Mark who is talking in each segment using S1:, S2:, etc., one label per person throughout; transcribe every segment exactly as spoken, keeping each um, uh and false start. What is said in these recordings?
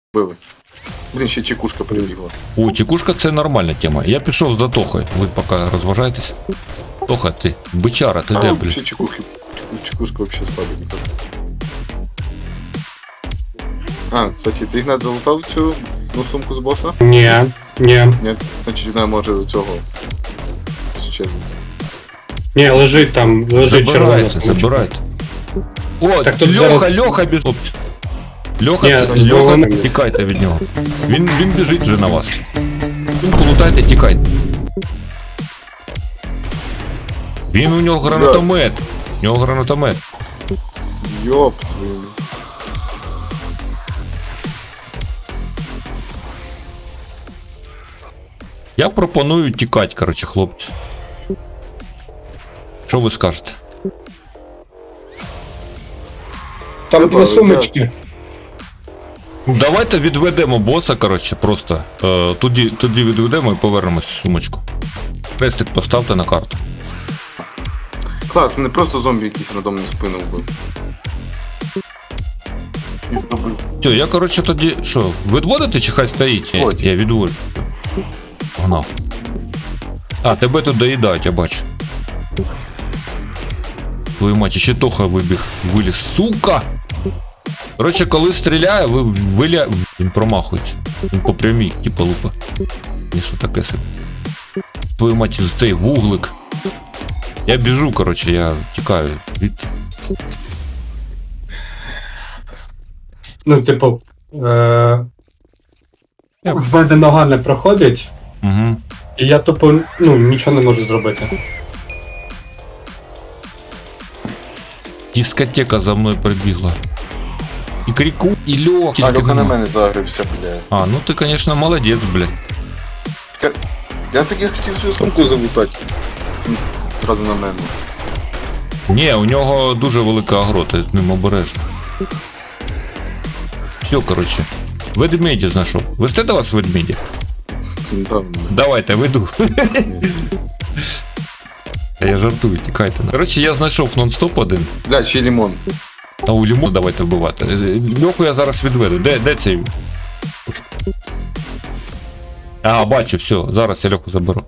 S1: Били. Блін, ще чекушка прибігла.
S2: О, чекушка це нормальна тема. Я пішов за Тохою. Ви поки розважайтесь. Тоха, ти, бичара, ти
S1: А,
S2: де,
S1: вообще
S2: блін?
S1: чекухи. Чекушка вообще слабенька. А, кстати, ти Ігнат залутав цю ну, сумку з боса?
S3: Ні, ні.
S1: Ні, значить вона може цього щезти.
S3: Ні, лежить там, лежить червона.
S2: Забирайте, забирайте. О,
S3: Так тут
S2: Льоха,
S3: зараз-
S2: Льоха біжить. Льоха,
S3: Ні,
S2: це,
S3: з
S2: Льоха,
S3: голови.
S2: тікайте від нього. Він, він біжить вже на вас. Сумку лутайте, тікайте. Він у нього гранатомет. У нього гранатомет.
S1: Йоп твою.
S2: Я пропоную тікати, коротше, хлопці. Що ви скажете?
S3: Там
S1: Треба,
S3: дві сумочки.
S2: Ну, давайте відведемо боса, коротше, просто. Е, тоді, тоді відведемо і повернемось в сумочку. Хрестик поставте на карту.
S1: Клас, мене просто зомбі якийсь рандомну спину вбив.
S2: Все, я, коротше, тоді, що, відводити чи хай стоїть? Я,
S1: Ходь.
S2: я відводжу. Погнав. А, тебе тут доїдають, я бачу. Твою мать, ще Тоха вибіг, виліз. Сука! Коротше, коли стріляє, ви виля... Він промахується. Він по прямій, типа лупа. І що таке собі? Твою мать, цей вуглик. Я біжу, коротше, я тікаю від...
S3: Ну, типу, е-
S2: Я-
S3: в мене нога не проходить,
S2: Угу.
S3: і я тупо, ну, нічого не можу зробити.
S2: Дискотека за мною прибігла. І Кріку, і Льох.
S1: А,
S2: тільки
S1: Льоха на
S2: нема.
S1: мене загрився, блядь.
S2: А, ну ти, конечно, молодець, блядь.
S1: Я, я таки хотів свою сумку залутати. М, Зразу на мене.
S2: Ні, у нього дуже велика агро, ти з ним обережно. Все, коротше. Ведмеді знайшов. Вести до вас ведмеді?
S1: Він там,
S2: Давайте, веду.
S1: блядь.
S2: Я жартую, тікайте. Коротше, я знайшов нон-стоп один.
S1: Бля, ще лимон.
S2: А у лімон давайте вбивати. Е, Льоху я зараз відведу. Де, де цей? А, бачу, все, зараз я Льоху заберу.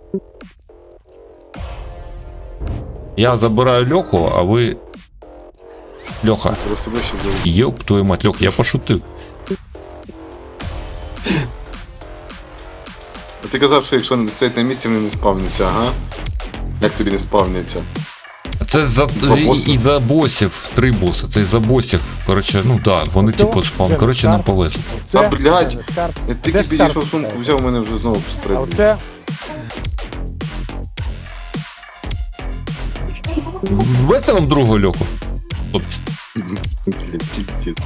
S2: Я забираю Льоху, а ви... Льоха.
S1: Треба себе ще залутати.
S2: Єп, твою мать, Льох, я пошутив.
S1: А ти казав, що якщо не стоять на місці, вони не спавняться, ага? Як тобі не спавняться?
S2: Це за
S1: Два
S2: і,
S1: боси?
S2: і за босів, три боси. Це і за босів. Коротше, ну да, вони типу спам. Коротше, нам повезло.
S1: Та, блядь,
S4: це не скарб.
S1: Я
S4: Де
S1: тільки
S4: ж
S1: підійшов
S4: скарб?
S1: сумку, взяв, мене вже знову
S4: А
S1: стрельбу.
S4: оце
S2: Вести вам другого Льоху? Хлопці.
S1: Блядь, пиздец.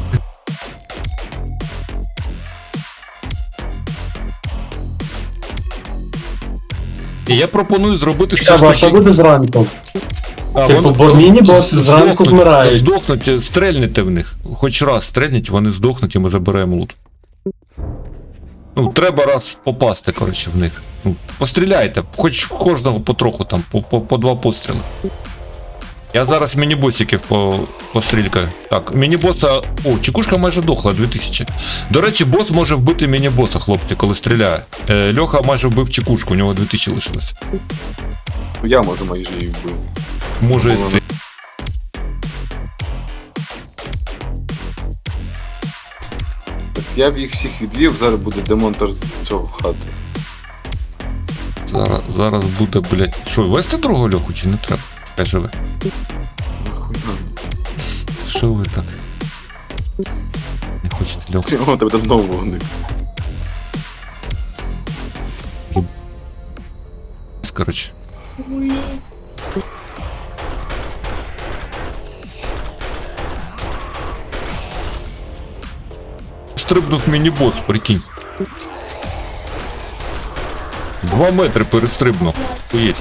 S2: І я пропоную зробити все
S3: Та
S2: ж
S3: ваша
S2: таки...
S3: буде зранку.
S2: А,
S3: Типу,
S2: вони-
S3: бо міні-боси
S2: здохнуть,
S3: зранку вмирають.
S2: Здохнуть, стрельните в них. Хоч раз стрельніть, вони здохнуть і ми заберемо лут. Ну, треба раз попасти, коротше, в них. Ну, постріляйте, хоч в кожного потроху там, по, по, по два постріли. Я зараз міні-босиків по, пострількаю. Так, міні-боса... О, чекушка майже дохла, дві тисячі. До речі, бос може вбити міні-боса, хлопці, коли стріляє. Е, Льоха майже вбив чекушку, у нього дві тисячі лишилося.
S1: Я, може, майже її вбив.
S2: Може,
S1: Вона-
S2: ти...
S1: Так я в їх всіх відвів, зараз буде демонтаж цього хати.
S2: Зараз, зараз буде, блядь. Що, вести другого Льоху чи не треба? Хай живе.
S1: Нахуя?
S2: Що ви так? Не хочете Льоху?
S1: Ти, о, тебе давно вогник.
S2: Коротше. Стрибнув міні-бос, прикинь. Два метри перестрибнув. Уїдь.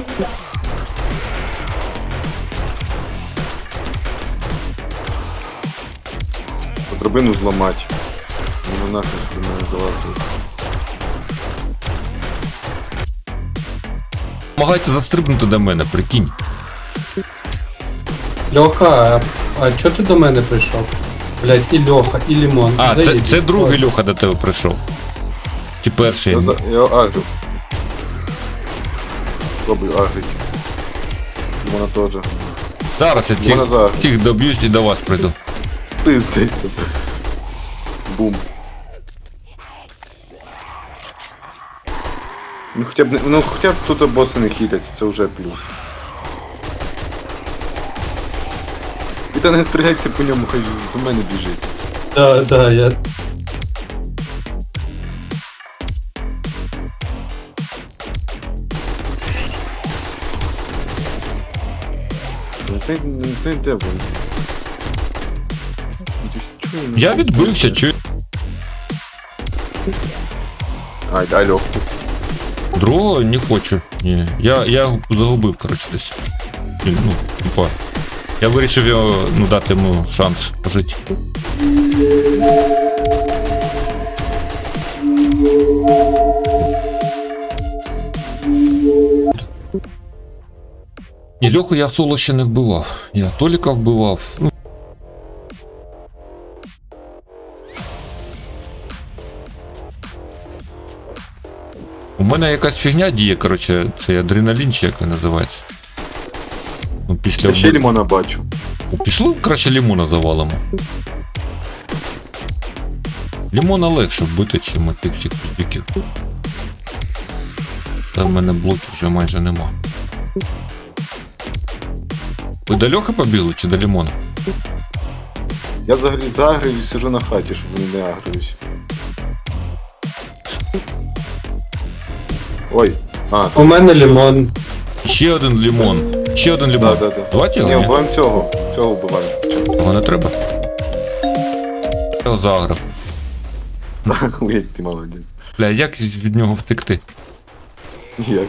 S1: Драбину зламати. Ну нахуй, щоб мене залазили.
S2: Намагається застрибнути до мене, прикинь.
S3: Льоха, а чого ти до мене прийшов? Блядь, і Льоха, і Лімон.
S2: А, це,
S3: Заїдь.
S2: це другий Льоха до тебе прийшов. Чи перший?
S1: Я, за... я агрю. Пробую агрить. Вона теж.
S2: Зараз я
S1: Вона
S2: цих,
S1: за-
S2: цих доб'юсь і до вас прийду.
S1: Пиздить. Бум. Ну хоча б не, ну хоча б тут боси не хіляться, це вже плюс. І та не стріляйте по ньому, хай до мене біжить.
S3: Да, да, я...
S1: Не знаю, не знаю де вони. Десь чую, ну,
S2: Я відбився, чую.
S1: Ай, дай льоху.
S2: Другого не хочу. Ні. Я, я його загубив, коротше, десь. Він, ну, типа. Я вирішив його, ну, дати йому шанс пожити. Ні, Льоху я соло ще не вбивав. Я Толіка вбивав. Ну, у мене якась фігня діє, коротше, цей адреналін, чи як він називається. Ну, після
S1: Я ще
S2: вбив-
S1: лімона бачу.
S2: О, пішло краще лімона завалимо. Лімона легше вбити, чим тих всіх піздюків. Та в мене блоків вже майже нема. Ви до Льохи побігли чи до лімона?
S1: Я взагалі загрив і сижу на хаті, щоб вони не агрились. Ой. А,
S3: У мене Лімон.
S2: Ще один лімон. Ще один лімон.
S1: Да, да, да.
S2: Давайте
S1: Ні,
S2: його. Ні,
S1: вбиваємо цього. Цього вбиваємо. спочатку.
S2: його не треба. Я його заграв.
S1: Уєдь, ти молодець.
S2: Бля, як від нього втекти?
S1: Як?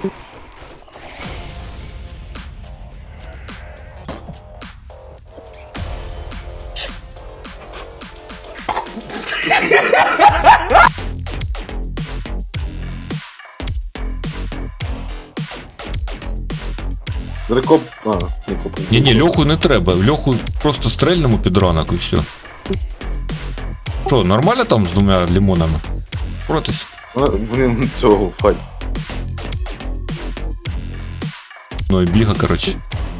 S1: Рекоп... А, не коп.
S2: Ні, ні, Льоху не треба. Льоху просто стрельнемо під ранок і все. Що, нормально там з двома лімонами? Протись?
S1: Вони цього в хаті.
S2: Ну і біга, коротше.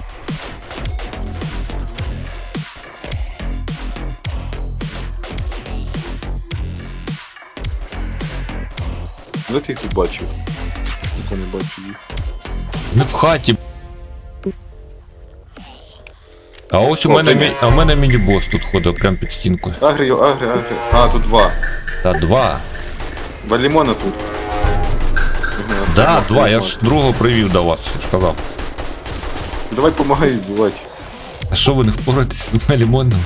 S1: Де ти їх тут бачив? Ніхто не бачу їх.
S2: Не в хаті. А ось у
S1: О,
S2: мене,
S1: привіт.
S2: мі- а в мене міні-бос тут ходить прямо під стінкою.
S1: Агрі, агрі, агрі. А, тут два.
S2: Та два.
S1: Два лимона тут. Ага,
S2: Да,
S1: два
S2: два, я
S1: лимона.
S2: ж другого привів до вас, я ж казав.
S1: Давай помагай вбивати.
S2: А що ви не впораєтесь з двома лімонами?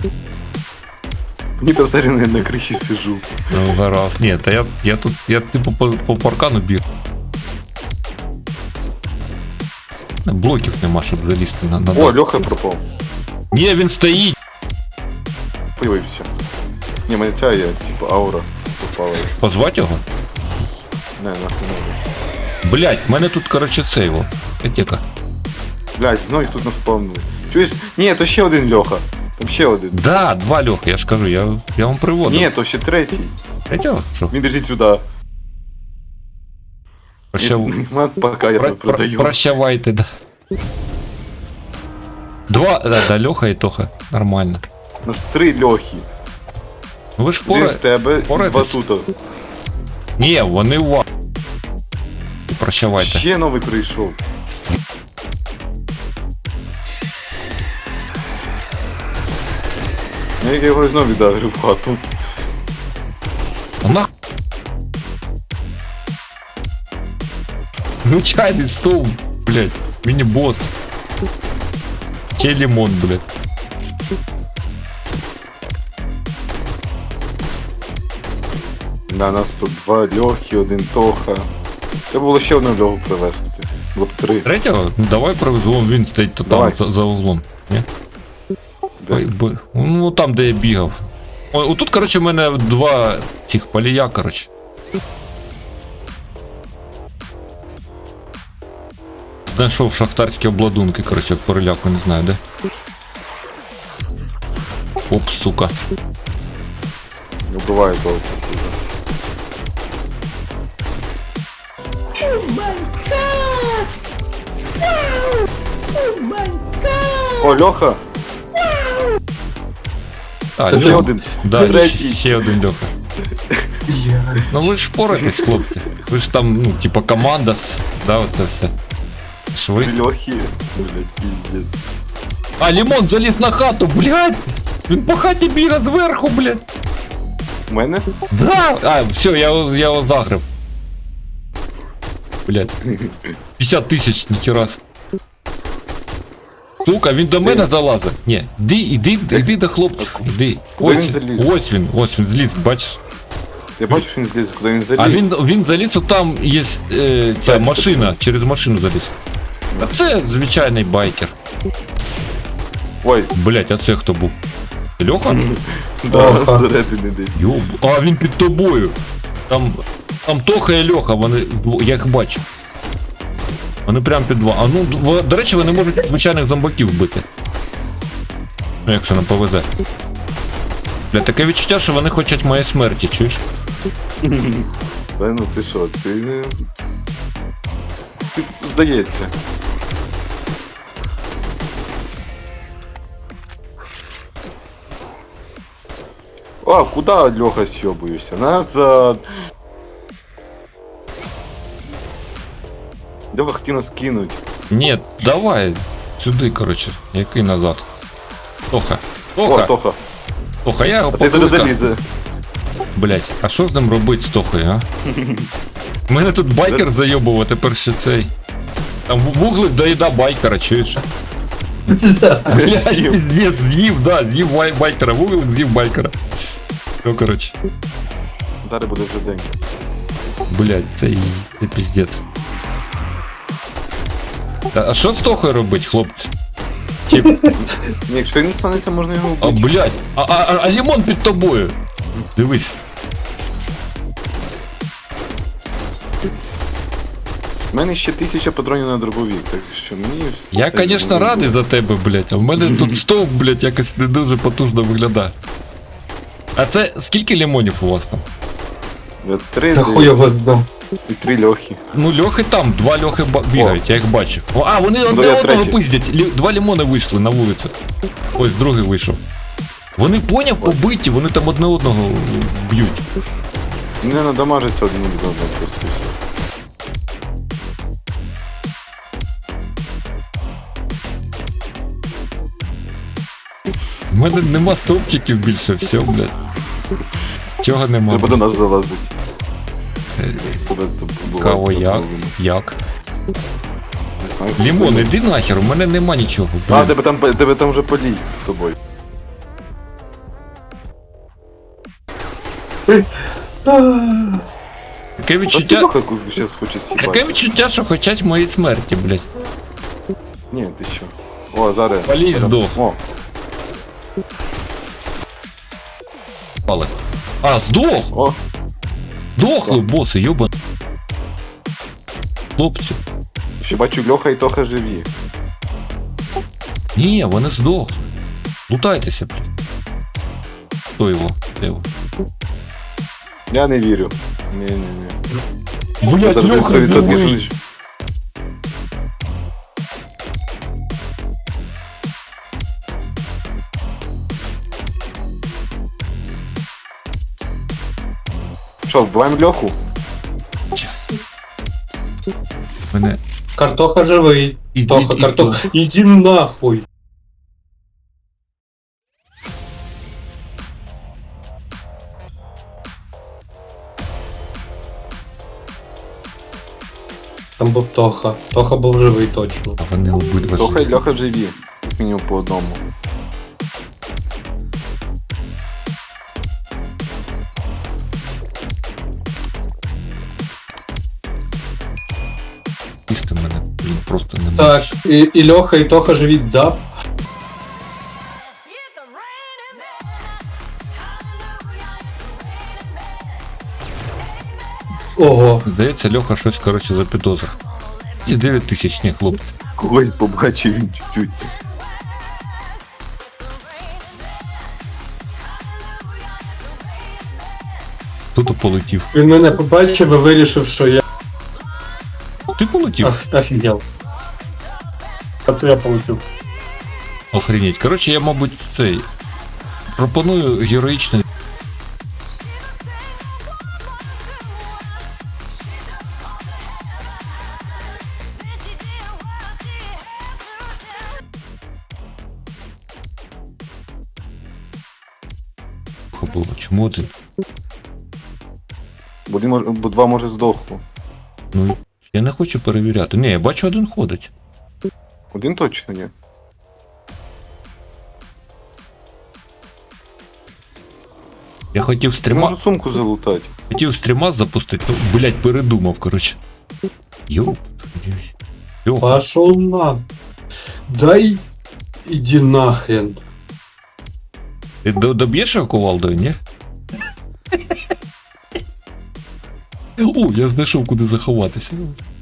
S1: Мені там все на, на криші сижу.
S2: Ну зараз. Ні, та я, я тут, я типу по, по паркану біг. Блоків нема, щоб залізти на, на
S1: О, Льоха пропав.
S2: Ні, він стоїть.
S1: Появився. Ні, мене ця є, типу, аура попала.
S2: Позвати його?
S1: Не, нахуй не.
S2: Блять, в мене тут, коротше, сейво. Етека.
S1: Блядь, знову їх тут наспавнили. Чуєш? Ні, то ще один Льоха. Там ще один.
S2: Да, два Льохи, я ж кажу, я, я вам приводив.
S1: Ні, то ще третій.
S2: Третього? Що?
S1: Він біжить сюди.
S2: Прощав...
S1: Мат, пока я
S2: Про-
S1: тут
S2: про-
S1: продаю.
S2: Прощавайте, да. Два, да, да, Льоха і Тоха. Нормально.
S1: У нас три Льохи.
S2: Ну ви ж
S1: Один
S2: пора...
S1: в тебе і два
S2: впорайтесь.
S1: тут.
S2: Ні, вони у вас. Прощавайте.
S1: Ще новий прийшов. Ну, я його знову віддав в хату.
S2: А нах... Ну чайний стол, блядь. Міні-босс. Ще лимон, блядь.
S1: Да, нас тут два Льохи, один Тоха. Треба було ще одну Льоху привезти. Було б три.
S2: Третього? Ну давай привезу, вон він стоїть то там
S1: Давай.
S2: за, за углом. Ні?
S1: Де?
S2: Ой, бо- Ну там, де я бігав. Ой, отут, коротше, в мене два цих полія, коротше. Знайшов шахтарські обладунки, коротше, переляку, не знаю, де. Оп, сука.
S1: Не вбиває того. О, Льоха!
S2: А,
S3: Це
S1: Ще
S2: Льоха.
S1: один.
S2: Да,
S1: Третій.
S2: ще, ще один Льоха. Ну ви ж впораєтесь, хлопці. Ви ж там, ну, типа команда, с- да, оце все. Ж ви?
S1: Три Льохи. Блять, пиздец.
S2: А, Лімон заліз на хату, блядь! Він по хаті бігає зверху, блядь.
S1: У мене?
S2: Да! А, все, я, його- я його загрив. Блядь. п'ятдесят тисяч, ніхера. с- Сука, він до мене залазить. Ні, іди, іди, іди до хлопця. Іди.
S1: Куди
S2: Ось
S1: він заліз?
S2: Ось він, ось він зліз, бачиш?
S1: Я бачу, що він зліз, куди він заліз.
S2: А він, він заліз, от там є е, ця
S1: Так,
S2: машина, через машину заліз. А це звичайний байкер.
S1: Ой,
S2: Блять, а це хто був? Льоха?
S1: да,
S3: Льоха.
S1: зсередини десь.
S2: Йоб. А він під тобою. Там, там Тоха і Льоха, вони, дво- я їх бачу. Вони прям під два. А ну, дво- до речі, вони можуть звичайних зомбаків вбити. Ну, якщо нам повезе. Бля, таке відчуття, що вони хочуть моєї смерті, чуєш?
S1: Та ну ти що, ти не. Ти, здається. А, куди Льоха сьобуєшся? Назад! Льоха хотів нас кинуть.
S2: Ні, давай. Сюди, коротше. Який назад. Тоха.
S1: О,
S2: Тоха.
S1: Тоха.
S2: Тоха, я його
S1: А цей зараз
S2: покликав.
S1: залізе.
S2: Блять, а що з ним робити з Тохою, а? У мене тут байкер зайобував, а тепер ще цей. Там вуглик доїда байкера, чуєш? Блять,
S1: З'їв.
S2: пиздец, з'їв, да, з'їв бай- байкера, вуглик з'їв байкера. Ну, коротше,
S1: Зараз буде вже день.
S2: блять, це і це пиздец. Та, а що з Тохою робить, хлопці? Чи,
S1: Ні, якщо він станеться, можна його
S2: а,
S1: вбити.
S2: блять, а, а, а, а лимон під тобою. Дивись.
S1: У мене ще тисяча патронів на дробовік, так що мені все.
S2: Я, конечно, радий за тебе, блять, а в мене тут стовп, блять, якось не дуже потужно виглядає. А це скільки лимонів у вас там?
S1: Я три
S3: Та хуй його
S1: дивіться,
S3: здав.
S1: і три Льохи.
S2: Ну, льохи там, два льохи ба- бігають, я їх бачу. О, а, вони одне
S1: я
S2: одного
S1: третій.
S2: пиздять. Лі- Два лимони вийшли на вулицю. Ось другий вийшов. Вони поняв побиті, вони там одне одного б'ють.
S1: Не надамажиться один від одного просто і все.
S2: У мене нема стовпчиків більше, все, блядь. Чого нема?
S1: Треба до нас залазити.
S2: Е,
S1: Я себе тут побував.
S2: Кого як? Як?
S1: Не знаю.
S2: Лімон, іди нахер, у мене нема нічого.
S1: А,
S2: Блін.
S1: тебе там, тебе там вже полій з тобою.
S2: Таке
S1: А ти
S2: відчуття.
S1: Льоха зараз хоче
S2: Таке
S1: с'їбати.
S2: відчуття, що хочуть моєї смерті, блядь.
S1: Ні, ти що? О, зараз.
S2: Полій здох.
S1: О,
S2: Пали. А, здох!
S1: о,
S2: Дохли, боси, йоба. Хлопці.
S1: ще бачу Льоха і Тоха живі.
S2: Ні, вони здохли. Лутайтеся, блядь. Хто його? Де його?
S1: Я не вірю. Ні, ні, ні. Я
S2: Блядь,
S1: зараз
S2: Льоха
S1: сто відсотків
S2: живий.
S1: що. Що, вбиваємо Льоху?
S2: Мене...
S3: Картоха живий.
S2: Іди,
S3: Тоха,
S2: іди,
S3: картоха. Іди нахуй. Там був Тоха. Тоха був живий точно.
S2: А вони обидва
S1: Тоха і
S2: живі.
S1: Льоха живі. Як мінімум по одному.
S2: Їсти мене, блін, просто немає.
S3: Так, і, і Льоха, і Тоха живі, да. Ого.
S2: Здається, Льоха щось, коротше, запідозрив. Ці дев'ять тисяч, ні, хлопці.
S1: Когось побачив він чуть-чуть.
S2: Тут полетів.
S3: Він мене побачив і вирішив, що я
S2: Ти полетів?
S3: оф- офігел. А це я полетів.
S2: Охренеть. Коротше, я, мабуть, цей. Пропоную героїчний. Було. Чому один?
S1: Бо, один мож... Бо два може здохло.
S2: Ну, я не хочу перевіряти. Ні, я бачу, один ходить.
S1: Один точно ні.
S2: Я хотів
S1: Ти
S2: стріма.
S1: можу сумку залутати.
S2: Хотів стріма запустити, ну, блять, передумав, коротше. Йоп. Йоп.
S3: Пошел на. Дай иди нахрен.
S2: Ти до- доб'єш його кувалдою, ні? О, я знайшов, куди заховатися.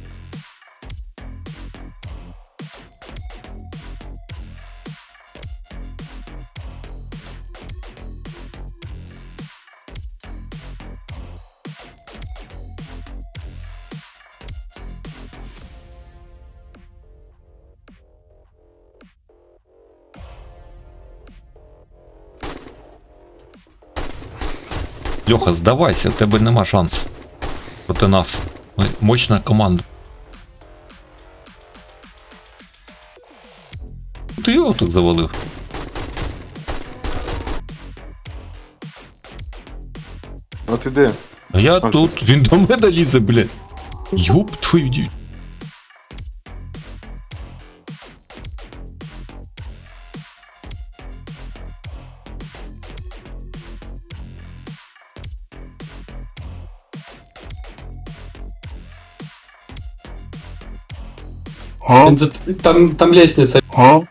S2: Льоха, здавайся, у тебе нема шансу. Проти нас. Ми мощна команда. Ти його тут завалив.
S1: А ти де?
S2: А я
S1: А,
S2: тут, він до мене лізе, блядь. Юп твою дівчину.
S3: Він за- Там, там лестница.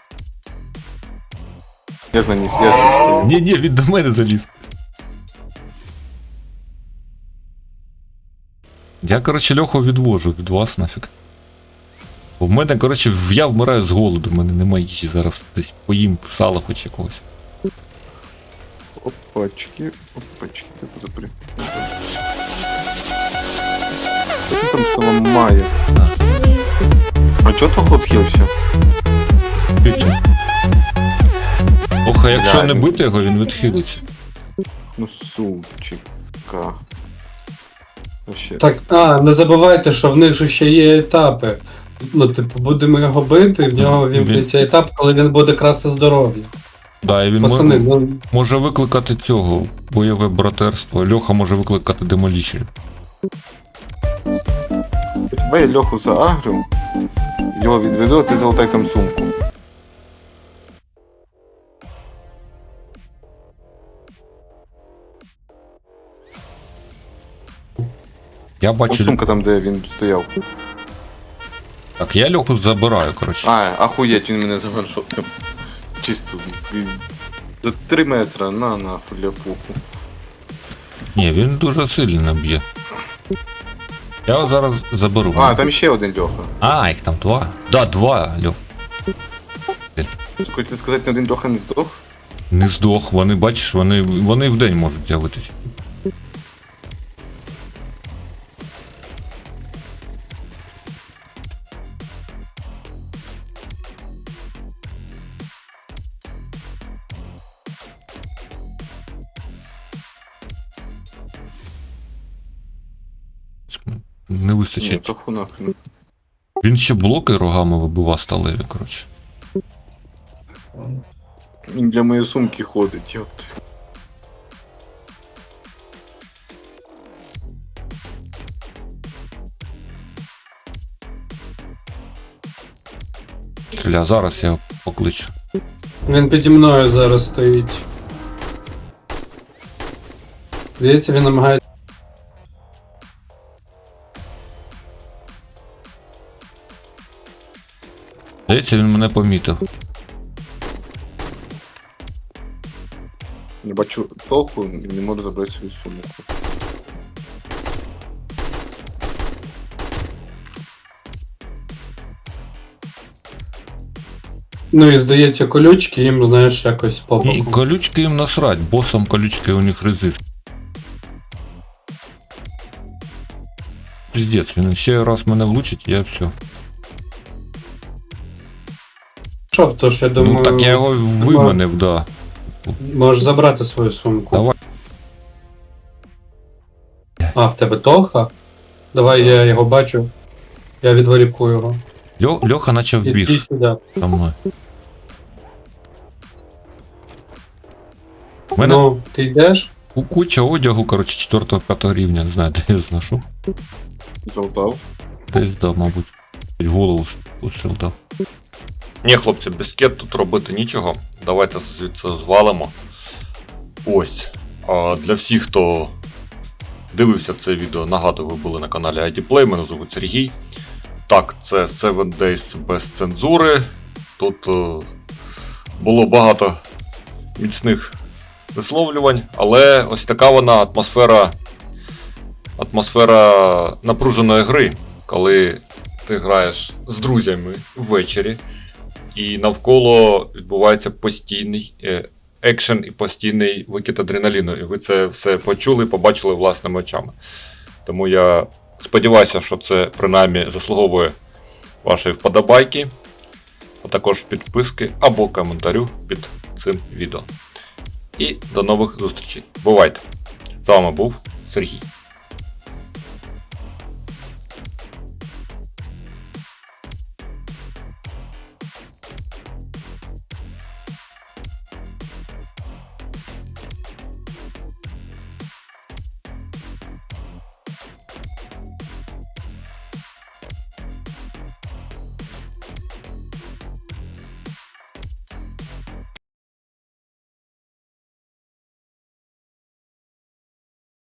S1: Я ж на ній, я ж на ній стою.
S2: Ні, ні, він до мене заліз. Я, коротше, Льоху відвожу від вас нафіг. Бо в мене, коротше, в- я вмираю з голоду, в мене немає їжі, зараз десь поїм сала хоч якогось.
S1: Опачки, опачки, типу запри. Що ти там самомає?
S2: Да.
S1: А чого то ход хилився?
S2: Чуть-чуть. Ох, а якщо не
S1: Реально.
S2: бити його, він відхилиться.
S1: Ну сумчика. Вообще.
S3: Так, а, не забувайте, що в них же ще є етапи. Ну, типу, будемо його бити, в нього
S2: Він-
S3: вімкнеться етап, коли він буде красти здоров'я.
S2: Да, і він
S3: Пацани,
S2: мо-
S3: ну,
S2: може викликати цього бойове братерство. Льоха може викликати демоліщер.
S1: Тебе я Льоху заагрив, його відведу, а ти залутай там сумку.
S2: Я
S1: Там
S2: бачу.
S1: сумка там, де він стояв.
S2: Так, я Льоху забираю, коротше.
S1: А, ахуєть, він мене завершив там. Чисто такий за три метри, на нахуй ляпуху.
S2: Ні, він дуже сильно б'є. Я його зараз заберу.
S1: А, там ще один Льоха.
S2: А, їх там два. Да, два, Льох.
S1: Хочете сказати, не один Льоха не здох?
S2: Не здох, вони, бачиш, вони, вони в день можуть з'явитися. Не
S1: Ні,
S2: вистачить.
S1: то ху нахрен.
S2: Він ще блоки рогами вибива сталеві, коротше.
S1: Він для моєї сумки ходить, йот.
S2: Стріля, зараз я його покличу.
S3: він піді мною зараз стоїть. Здається, він намагається.
S2: Здається, він мене помітив.
S1: Я бачу толку і не можу забрати свою сумку.
S3: Ну і здається, колючки їм, знаєш, якось по
S2: І
S3: боку.
S2: колючки їм насрать, босом колючки у них резист. Піздець, він ще раз мене влучить, я все.
S3: Що, то ж я думаю,
S2: Ну так я його виманив, да.
S3: можеш забрати свою сумку.
S2: Давай.
S3: А, в тебе Тоха? Давай я його бачу. Я відволіку його.
S2: Льо, Льоха наче
S3: Іди
S2: вбіг
S3: сюди.
S2: за мною. У мене
S3: Ну, ти йдеш?
S2: ку- куча одягу, коротше, четвертого-п'ятого рівня, не знаю, де я зношу.
S1: Залутав.
S2: Десь, да, мабуть. В голову постріл дав. Ні, хлопці, без кет тут робити нічого. Давайте звідси звалимо. Ось. А для всіх, хто дивився це відео, нагадую, ви були на каналі ай ді Play, мене звуть Сергій. Так, це сім Days без цензури. Тут е, було багато міцних висловлювань, але ось така вона атмосфера, атмосфера напруженої гри, коли ти граєш з друзями ввечері, і навколо відбувається постійний е, екшен і постійний викид адреналіну. І ви це все почули, побачили власними очами. Тому я сподіваюся, що це принаймні заслуговує вашої вподобайки, а також підписки або коментарю під цим відео. І до нових зустрічей. Бувайте! З вами був Сергій.